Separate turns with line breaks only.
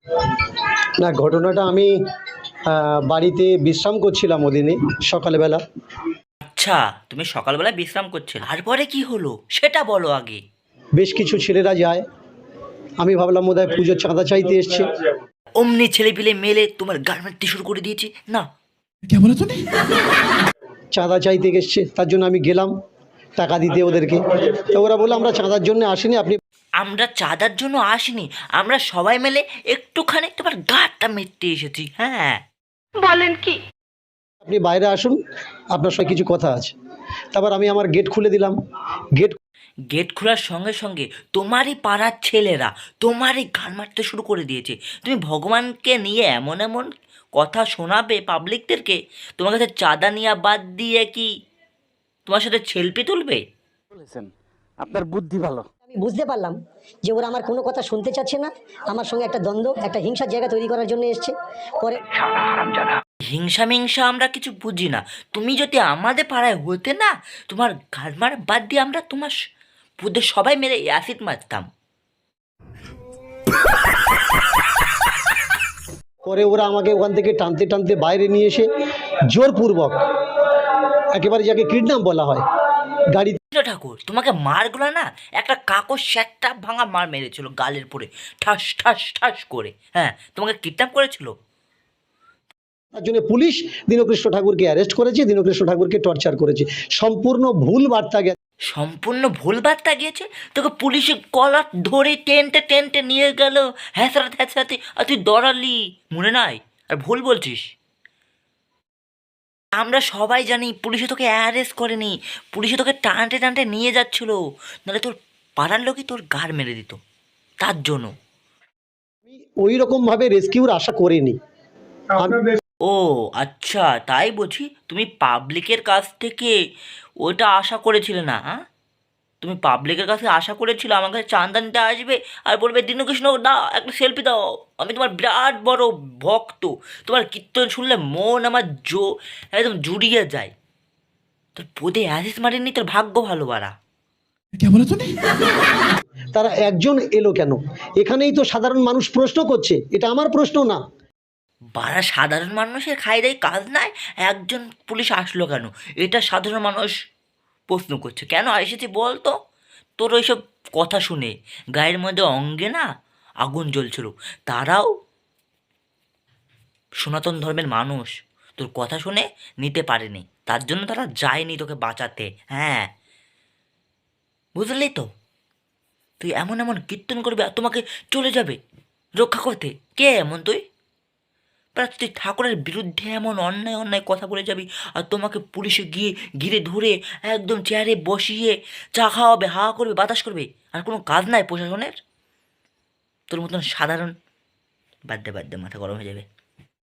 না, ঘটনাটা আমি বাড়িতে বিশ্রাম করছিলাম ওদিনে সকালবেলা।
আচ্ছা, তুমি সকালবেলা বিশ্রাম করছিলে, তারপরে কি হলো সেটা বলো আগে।
বেশ কিছু ছেলেরা যায়, আমি ভাবলাম বোধহয় পুজোর চাঁদা চাইতে এসছে।
অমনি ছেলে পিলে মেলে তোমার গার্মেন্ট শুরু করে দিয়েছে না?
চাঁদা চাইতে এসছে, তার জন্য আমি গেলাম টাকা দিতে ওদেরকে। তো ওরা বললো আমরা চাঁদার জন্য আসিনি, আপনি
আমরা চাঁদার জন্য আসিনি, আমরা সবাই মিলে একটুখানি তোমার গাটা মেটতে এসেছি। হ্যাঁ, বলেন কি?
আপনি বাইরে আসুন, আপনার সঙ্গে কিছু কথা আছে। তারপর আমি আমার গেট খুলে দিলাম। গেট
গেট খোলার সঙ্গে সঙ্গে তোমারই পাড়ার ছেলেরা তোমারই গান মারতে শুরু করে দিয়েছে। তুমি ভগবানকে নিয়ে এমন এমন কথা শোনাবে পাবলিকদেরকে, তোমার কাছে চাঁদা নেওয়া বাদ দিয়ে কি তোমার সাথে সেলফি তুলবে?
বলেছেন, আপনার বুদ্ধি ভালো।
আমি বুঝতে পারলাম যে ওরা আমার কোনো কথা শুনতে চাচ্ছে না, আমার সঙ্গে একটা দ্বন্দ্ব, একটা হিংসার জায়গা তৈরি করার জন্য এসছে। পরে
হিংসা মিংসা আমরা কিছু বুঝি না। তুমি যদি আমাদের পাড়ায় হতে না, তোমার গান মারা বাদ দিয়ে আমরা তোমার বুদ্ধে সবাই মেরে অ্যাসিড মারতাম।
পরে ওরা আমাকে ওখান থেকে টানতে টানতে বাইরে নিয়ে এসে জোরপূর্বক, একেবারে যাকে কিডন্যাপ বলা হয়, গাড়ি
ঠাকুর তোমাকে মারগুলো না একটা কাকর স্যাটটা ভাঙা মার মেরেছিল গালের পরে, ঠাস ঠাস ঠাস করে। হ্যাঁ, তোমাকে কিডন্যাপ করেছিল।
তার জন্য পুলিশ দীনকৃষ্ণ ঠাকুরকে অ্যারেস্ট করেছে, দীনকৃষ্ণ ঠাকুরকে টর্চার করেছে। সম্পূর্ণ ভুল বার্তা গেছে।
সম্পূর্ণ ভুল বার্তা গিয়েছে। তোকে পুলিশে কলার ধরে টেনতে টেনতে নিয়ে গেল, হ্যাঁচড়াতে হ্যাঁচড়াতে, আর তুই দৌড়ালি, মনে নাই? আর ভুল বলছিস। আমরা সবাই জানি পুলিশে তোকে অ্যারেস্ট করেনি, পুলিশে তোকে টানতে টানতে নিয়ে যাচ্ছিল, নাহলে তোর পাড়ার লোকই তোর গাড় মেরে দিত। তার জন্য
ওই রকম ভাবে রেস্কিউর আশা করিনি।
ও আচ্ছা, তাই বুঝি তুমি পাবলিকের কাছ থেকে ওটা আশা করেছিলে না? হ্যাঁ, তুমি পাবলিকের কাছে আশা করেছিলে আমার কাছে চাঁদা নিতে আসবে আর বলবে দীনকৃষ্ণ দাও একটা সেলফি দাও, আমি তোমার বিরাট বড় ভক্ত, তোমার কীর্তন শুনলে মন আমার একদম জুড়িয়ে যায়। তোর পদে অ্যাসিস মারেনি, তোর ভাগ্য ভালো বাড়া।
তারা একজন এলো কেন? এখানেই তো সাধারণ মানুষ প্রশ্ন করছে, এটা আমার প্রশ্ন না।
বাড়া সাধারণ মানুষের খাই দাই কাজ নাই, একজন পুলিশ আসলো কেন এটা সাধারণ মানুষ প্রশ্ন করছে। কেন এসেছি বল তো? তোর ওইসব কথা শুনে গায়ের মধ্যে অঙ্গে না আগুন জ্বলছিল। তারাও সনাতন ধর্মের মানুষ, তোর কথা শুনে নিতে পারেনি, তার জন্য তারা যায়নি তোকে বাঁচাতে। হ্যাঁ, বুঝলি তো? তুই এমন এমন কীর্তন করবি আর তোমাকে চলে যাবে রক্ষা করতে। কে এমন তুই? তুই ঠাকুরের বিরুদ্ধে এমন অন্যায় অন্যায় কথা বলে যাবি আর তোমাকে পুলিশে গিয়ে ঘিরে ধরে একদম চেয়ারে বসিয়ে চা খাওয়াবে, হা করবে, বাতাস করবে, আর কোনো কাজ নাই প্রশাসনের? তোর মতন সাধারণ বাদ দে, মাথা গরম হয়ে যাবে।